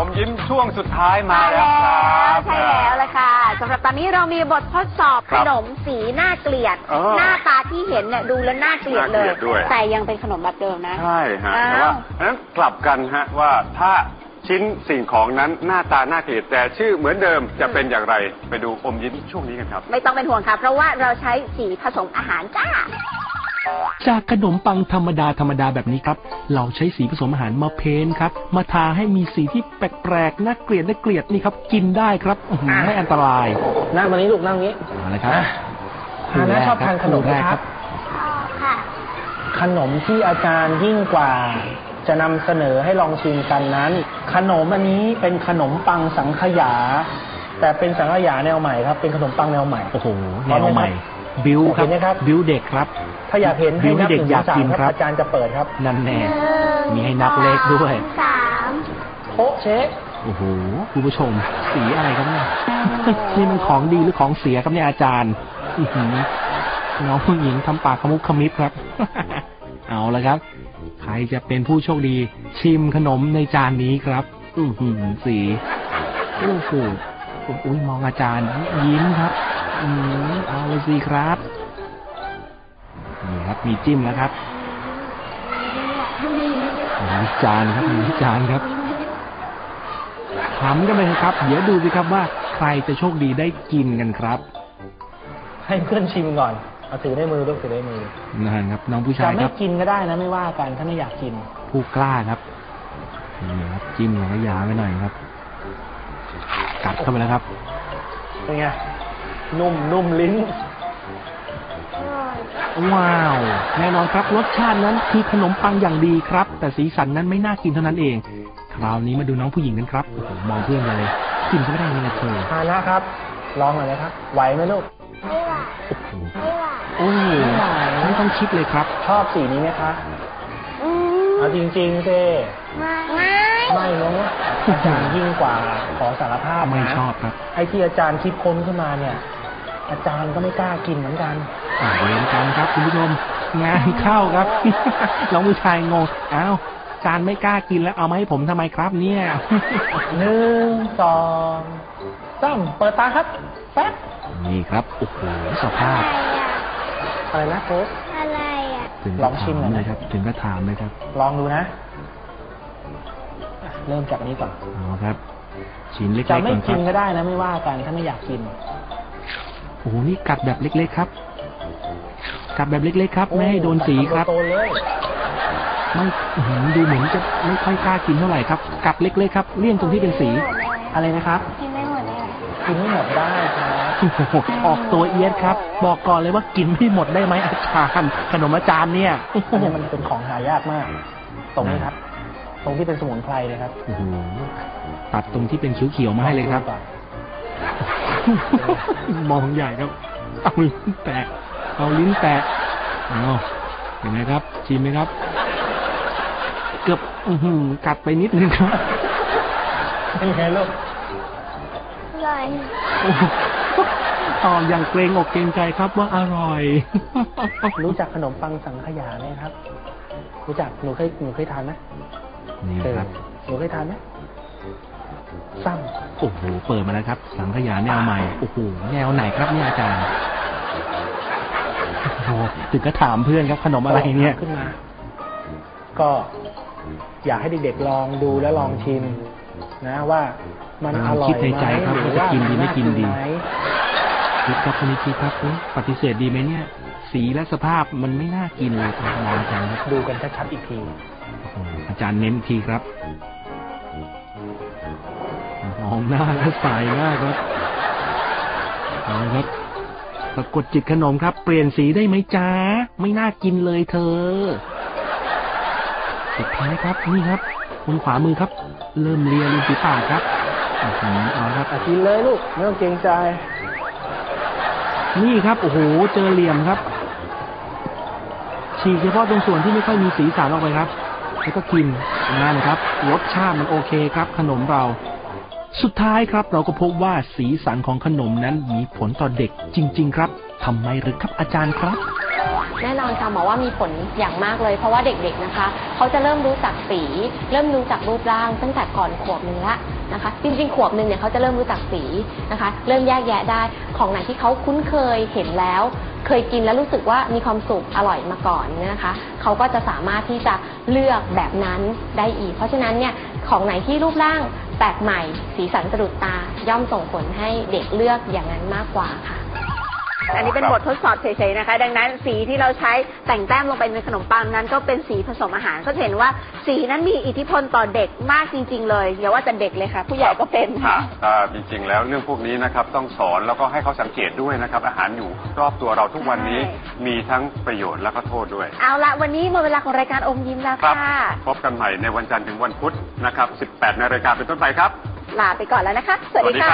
มยิ้มช่วงสุดท้ายมาแล้วครับใช่แล้วเลยค่ะสำหรับตอนนี้เรามีบททดสอบขนมสีน่าเกลียดหน้าตาที่เห็นเนี่ยดูแล้วน่าเกลียดเลยแต่ยังเป็นขนมแบบเดิมนะใช่ฮะแต่ว่านั้นกลับกันฮะว่าถ้าชิ้นสิ่งของนั้นหน้าตาน่าเกลียดแต่ชื่อเหมือนเดิมจะเป็นอย่างไรไปดูอมยิ้มช่วงนี้กันครับไม่ต้องเป็นห่วงค่ะเพราะว่าเราใช้สีผสมอาหารจ้าจากขนมปังธรรมดาแบบนี้ครับเราใช้สีผสมอาหารมาเพ้นครับมาทาให้มีสีที่แปลกๆน่าเกลียดนี่ครับกินได้ครับไม่อันตรายนั่งตรงนี้ลูกนั่งนี้อะไรครับฮาน่าชอบทานขนมไหมครับค่ะขนมที่อาจารย์ยิ่งกว่าจะนำเสนอให้ลองชิมกันนั้นขนมอันนี้เป็นขนมปังสังขยาแต่เป็นสังขยาแนวใหม่ครับเป็นขนมปังแนวใหม่โอ้โหแนวใหม่บิวครับบิวเด็กครับถ้าอยากเห็นให้นับ1 2 3ครับอาจารย์จะเปิดครับนั่นแน่มีให้นับเลขด้วย 3 โคเชคโอ้โหคุณผู้ชมสีอะไรครับเนี่ยนี่มันของดีหรือของเสียครับเนี่ยอาจารย์น้องผู้หญิงทำปากขมุบขมิบครับเอาละครับใครจะเป็นผู้โชคดีชิมขนมในจานนี้ครับสีโอ้โหอุ้ยมองอาจารย์ยิ้มครับเอาเลยสิครับนี่ครับมีจิ้มแล้วครับมีจานครับถามกันเลยครับเดี๋ยวดูสิครับว่าใครจะโชคดีได้กินกันครับให้เพื่อนชิมก่อนเอาถือได้มือลูกถือได้มือนั่นครับน้องผู้ชายครับจะไม่กินก็ได้นะไม่ว่ากันถ้าไม่อยากกินผู้กล้าครับนี่ครับจิ้มหน่อยยาไว้หน่อยครับกัดเข้าไปแล้วครับเป็นไงนุ่มลิ้นว้าวแน่นอนครับรสชาตินั้นคือขนมปังอย่างดีครับแต่สีสันนั้นไม่น่ากินเท่านั้นเองคราวนี้มาดูน้องผู้หญิงกันครับมองเพื่อนเลยกินก็ไม่ได้เลยเธอทานนะครับลองหน่อยนะครับไหวไหมลูกไม่ไหวโอ้ยไม่ต้องคิดเลยครับชอบสีนี้ไหมคะเอาจริงๆสิไม่เนาะอาจารย์ยิ่งกว่าขอสารภาพไม่ชอบครับไอ้ที่อาจารย์คิดค้นขึ้นมาเนี่ยอาจารย์ก็ไม่กล้ากินเหมือนกันเวรกันครับคุณผู้ชมงานเข้าครับน้องผู้ชายงงอ้าวอาจารย์ไม่กล้ากินแล้วเอามาให้ผมทำไมครับเนี่ย 1 2 3เปิดตาครับแป๊บนี่ครับโอ้โหสภาพอะไรนะโค้ชอะไรลองชิมหน่อยครับถึงก็ถามเลยครับลองดูนะเริ่มจากนี้ก่อนครับชิ้นเล็กๆก่อนครับจะไม่กินก็ได้นะไม่ว่ากันถ้าไม่อยากกินโอ้โหนี่กัดแบบเล็กๆครับกัดแบบเล็กๆครับไม่ให้โดนสีครับไม่ดูเหมือนจะไม่ค่อยกล้ากินเท่าไหร่ครับกัดเล็กๆครับเลี่ยงตรงที่เป็นสีอะไรนะครับกินไม่หมดได้กินไม่หมดได้ครับออกตัวเอียดครับบอกก่อนเลยว่ากินไม่หมดได้ไหมอาจารย์ขนมอาจารย์เนี่ยมันเป็นของหายากมากตรงนี้ครับตรงที่เป็นสมุนไพรเลยครับตัดตรงที่เป็นเขียวๆมาให้เลยครับมองใหญ่ครับเอาลิ้นแตะเอาเห็นไหมครับชิมไหมครับเกือบกัดไปนิดนึงครับเป็นไงลูกอร่อยอย่างเกรงอกเกรงใจครับว่าอร่อยรู้จักขนมปังสังขยาไหมครับรู้จักหนูเคยทานไหมนี่ครับหนูเคยทานไหมซ้ำโอ้โหเปิดมาแล้วครับสังขยาแนวใหม่โอ้โหแนวไหนครับเนี่ยอาจารย์โอ้ถึงก็ถามเพื่อนครับขนมอะไรเนี่ยขึ้นมาก็อยากให้เด็กๆลองดูและลองชิมนะว่ามันอร่อยคิดในใจครับว่าจะกินดีไม่กินดีคิดครับคนนี้คิดครับปฏิเสธดีไหมเนี่ยสีและสภาพมันไม่น่ากินเลยครับอาจารย์ดูกันชัดๆอีกทีอาจารย์เน้นทีครับมองหน้าและสายหน้าครับเอาครับสะกดจิตขนมครับเปลี่ยนสีได้ไหมจ๊ะไม่น่ากินเลยเธอสุดท้ายครับนี่ครับคนขวามือครับเริ่มเลียริมฝีปากครับเอาครับกินเลยลูกไม่ต้องเกรงใจนี่ครับโอ้โหเจอเหลี่ยมครับฉีกเฉพาะตรงส่วนที่ไม่ค่อยมีสีสันออกไปครับแล้วก็กินนะครับรสชาติมันโอเคครับขนมเราสุดท้ายครับเราก็พบว่าสีสันของขนมนั้นมีผลต่อเด็กจริงๆครับทำไมหรือครับอาจารย์ครับแน่นอนค่ะหมอว่ามีผลอย่างมากเลยเพราะว่าเด็กๆนะคะเขาจะเริ่มรู้จักสีเริ่มรู้จักรูปร่างตั้งแต่ก่อนขวบหนึ่งละนะคะจริงๆขวบหนึ่งเนี่ยเขาจะเริ่มรู้จักสีนะคะเริ่มแยกแยะได้ของไหนที่เขาคุ้นเคยเห็นแล้วเคยกินแล้วรู้สึกว่ามีความสุขอร่อยมาก่อนเนี่ยนะคะเขาก็จะสามารถที่จะเลือกแบบนั้นได้อีกเพราะฉะนั้นเนี่ยของไหนที่รูปร่างแปลกใหม่สีสันสะดุดตาย่อมส่งผลให้เด็กเลือกอย่างนั้นมากกว่าค่ะอันนี้เป็นบททดสอบเฉยๆนะคะดังนั้นสีที่เราใช้แต่งแต้มลงไปในขนมปังนั้นก็เป็นสีผสมอาหารก็เห็นว่าสีนั้นมีอิทธิพลต่อเด็กมากจริงๆเลยอย่าว่าแต่เด็กเลยค่ะผู้ใหญ่ก็เป็นค่ะจริงๆแล้วเรื่องพวกนี้นะครับต้องสอนแล้วก็ให้เขาสังเกตด้วยนะครับอาหารอยู่รอบตัวเราทุกวันนี้มีทั้งประโยชน์และก็โทษด้วยเอาละวันนี้หมดเวลาของรายการอมยิ้มแล้วค่ะพบกันใหม่ในวันจันทร์ถึงวันพุธนะครับ 18 นาฬิกาเป็นต้นไปครับลาไปก่อนแล้วนะคะสวัสดีค่ะ